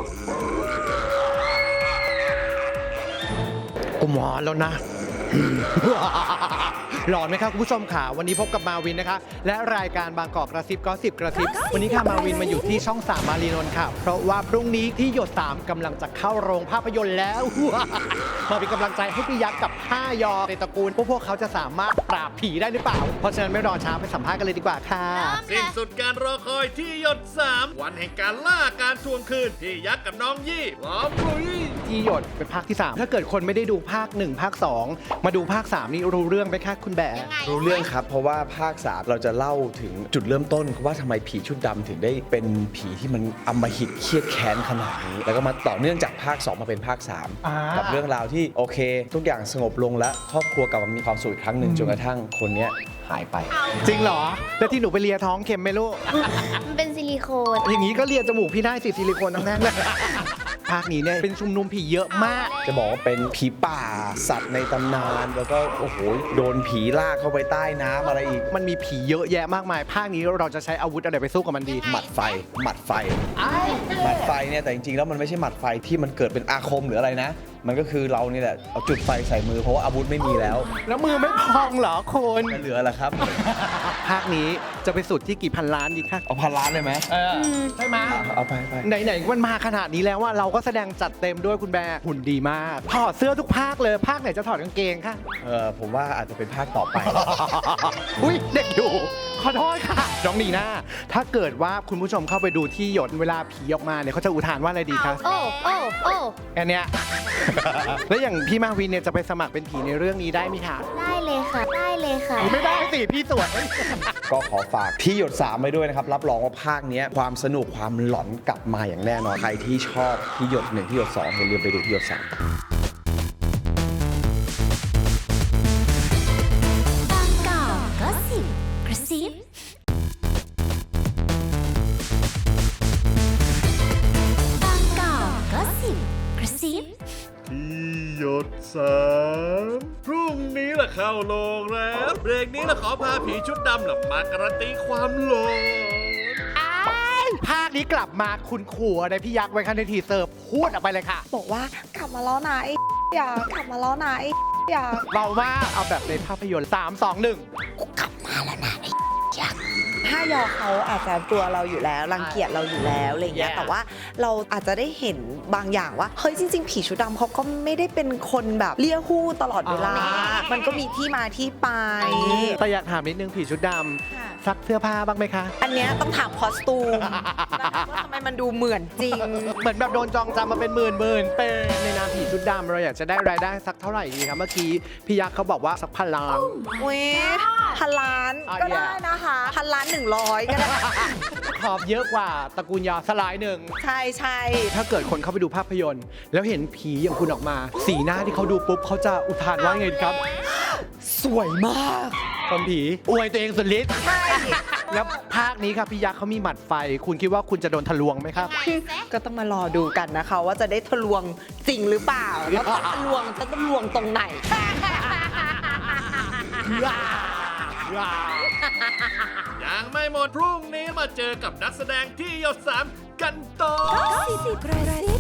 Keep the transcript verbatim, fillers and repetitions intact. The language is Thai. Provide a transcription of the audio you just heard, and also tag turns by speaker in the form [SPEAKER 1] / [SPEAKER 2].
[SPEAKER 1] กูมอนแล้วนะ หลอนไหมครับคุณผู้ชมค่ะวันนี้พบกับมาวินนะคะและรายการบางกอกกระซิบก็สิบกระซิบวันนี้ค่ะมาวินมาอยู่ที่ช่องสามมารีนนท์ค่ะเพราะว่าพรุ่งนี้ที่หยดสามกำลังจะเข้าโรงภาพยนตร์แล้ว มาเป็นกำลังใจให้พี่ยักษ์กับห้ายอในตระกูลพวกพวกเขาจะสามารถปราบผีได้หรือเปล่าเพราะฉะนั้นไม่รอช้าไปสัมภาษณ์กันเลยดีกว่าค่ะ
[SPEAKER 2] สิ้นสุดการรอคอยที่หยดสามวันแห่งการล่าการทวงคืนพี่ยักษ์กับน้องยี่พร้อมลุย
[SPEAKER 1] ที่หยดเป็นภาคที่สามถ้าเกิดคนไม่ได้ดูภาคหนึ่งภาคสองมาดูภาคสามนี่รู้เรื่องไหมคะคุณแบะ
[SPEAKER 3] รู้เรื่องครับเพราะว่าภาคสามเราจะเล่าถึงจุดเริ่มต้นว่าทำไมผีชุดดำถึงได้เป็นผีที่มันอำมหิตเครียดแค้นขนาดนี้แล้วก็มาต่อเนื่องจากภาคสองมาเป็นภาคสาม
[SPEAKER 1] อ่ากั
[SPEAKER 3] กับเรื่องราวที่โอเค ทุกอย่างสงบลงแล้วครอบครัวกลับมามีความสุขอีกครั้งหนึ่งจนกระทั่งคนเนี้ยหายไป
[SPEAKER 1] จริงเหรอแล้วที่หนูไปเลียท้องเค็มไหมลูก
[SPEAKER 4] มันเป็นซิลิโคน
[SPEAKER 1] อย่างนี้ก็เลียจมูกพี่ได้สิซิลิโคนทั้งนั้นเลย ภาคนี้เนี่ยเป็นชุมนุมผีเยอะมาก
[SPEAKER 3] จะบอกว่าเป็นผีป่าสัตว์ในตำนาน แล้วก็โอ้โหโดนผีลากเข้าไปใต้น้ำอะไรอีก
[SPEAKER 1] มันมีผีเยอะแยะมากมาย ภาคนี้เราจะใช้อาวุธอะไรไปสู้กับมันดี
[SPEAKER 3] หมัดไฟหมัดไฟหมัดไฟเนี่ยแต่จริงๆแล้วมันไม่ใช่หมัดไฟที่มันเกิดเป็นอาคมหรืออะไรนะ มันก็คือเรานี่แหละเอาจุดไฟใส่มือเพราะว่าอาวุธไม่มีแล้ว
[SPEAKER 1] แล้วมือไม่พองเหรอคุณ
[SPEAKER 3] จะเหลืออะไรครับ
[SPEAKER 1] ภาคนี้จะไปสุดที่กี่พันล้านดีคะ
[SPEAKER 3] เอาพันล้านเลยไหม
[SPEAKER 1] เออใช่ไหม
[SPEAKER 3] เอาไปไป
[SPEAKER 1] ไหนๆมันมาขนาดนี้แล้วว่าเราก็แสดงจัดเต็มด้วยคุณแบร์หุ่นดีมากถอดเสื้อทุกภาคเลยภาคไหนจะถอดกางเกงคะ
[SPEAKER 3] เออผมว่าอาจจะเป็นภาคต่อไป
[SPEAKER 1] อุ้ยเด็กอยู่ขอโทษค่ะน้องนีน่าถ้าเกิดว่าคุณผู้ชมเข้าไปดูที่หยดเวลาผีออกมาเนี่ยเขาจะอุทานว่าอะไรดีคะ
[SPEAKER 4] โอ้โอ้โอ้
[SPEAKER 1] อันเนี้ย แล้วอย่างพี่มาวินเนี่ยจะไปสมัครเป็นผีในเรื่องนี้ได้ไหมคะ
[SPEAKER 4] ได้เลยค่ะ ได้เลยค่ะ
[SPEAKER 1] ไม่ได้สิพี่สวย
[SPEAKER 3] ก็ขอฝากที่หยดสามไว้ด้วยนะครับ รับรองว่าภาคเนี้ยความสนุกความหลอนกลับมาอย่างแน่นอน ใครที่ชอบที่หยดหนึ่งที่หยดสองอย่าลืมไปดูที่หยดสาม
[SPEAKER 4] บางกอกก็สิบกระซิบางกอกก็สิบกระซิบ
[SPEAKER 2] ที่หยดสามพรุ่งนี้ล่ะเข้าโรงแล้วเบรกนี้ล่ะขอพาผีชุดดำล่ะมาการันตีความหลอน
[SPEAKER 1] ภาคนี้กลับมาคุณขู่อะไรพี่ยักษ์ไว้คันในทีเซอร์พูดออกไปเลยค่ะ
[SPEAKER 5] บอกว่ากลับมาแล้วนะไอ้อยากกลับมาแล้วนะไอ้อยาก
[SPEAKER 1] เบามากเอาแบบในภาพยนตร์สามสองหนึ่ง
[SPEAKER 5] ห้ายอเขาอาจจะกลัวเราอยู่แล้วรังเกียจเราอยู่แล้วอะไรเงี้ย
[SPEAKER 1] Yeah.
[SPEAKER 5] แต่ว่าเราอาจจะได้เห็นบางอย่างว่าเฮ้ยจริง ๆ ผีชุดดำเขาก็ไม่ได้เป็นคนแบบเลี้ยหู้ตลอดเวลา มันก็มีที่มาที่ไป
[SPEAKER 1] แต่อยากถามนิดนึงผีชุดด
[SPEAKER 5] ค่ะ
[SPEAKER 1] ำซักเสื้อผ้าบ้างไหมคะ
[SPEAKER 5] อันเนี้ยต้องถามคอสตูมนะคะว่าทำไมมันดูเหมือนจริง
[SPEAKER 1] เหมือนแบบโดนจองจำมาเป็นหมื่นหมื่นเป็นในนามผีชุดดำเราอยากจะได้รายได้สักเท่าไหร่ดีครับเมื่อกี้พี่ยักษ์เขาบอกว่าสักพันล้าน
[SPEAKER 5] อุ้ยพันล้าน
[SPEAKER 1] อ่ะ
[SPEAKER 5] ก็
[SPEAKER 1] อย่า
[SPEAKER 5] ได้นะคะพันล้านหนึ่งร้อยก็ได้
[SPEAKER 1] ขอบเยอะกว่าตระกูลยาสลายหนึ่ง
[SPEAKER 5] ใช่ใช่
[SPEAKER 1] ถ้าเกิดคนเข้าไปดูภาพยนตร์ แล้วเห็นผีอย่างคุณออกมา สีหน้าที่เขาดูปุ๊บเขาจะอุทานว่าไงดีครับ
[SPEAKER 5] สวยมาก
[SPEAKER 1] คนผีอวยตัวเองสุดฤทธิ์
[SPEAKER 5] ใช่
[SPEAKER 1] แล้วภาคนี้ครับพี่ยักษ์เขามีหมัดไฟ คุณคิดว่าคุณจะโดนทะลวงไหมครับ
[SPEAKER 5] ก็ต้องมารอดูกันนะคะ ว่าจะได้ทะลวงจริงหรือเปล่า แล้วถ้าทะลวงจะทะลวงตรงไหน
[SPEAKER 2] ยังไม่หมดพรุ่งนี้มาเจอกับนักแสดงที่หยดสามกันต่อ
[SPEAKER 4] สิบกระซิบ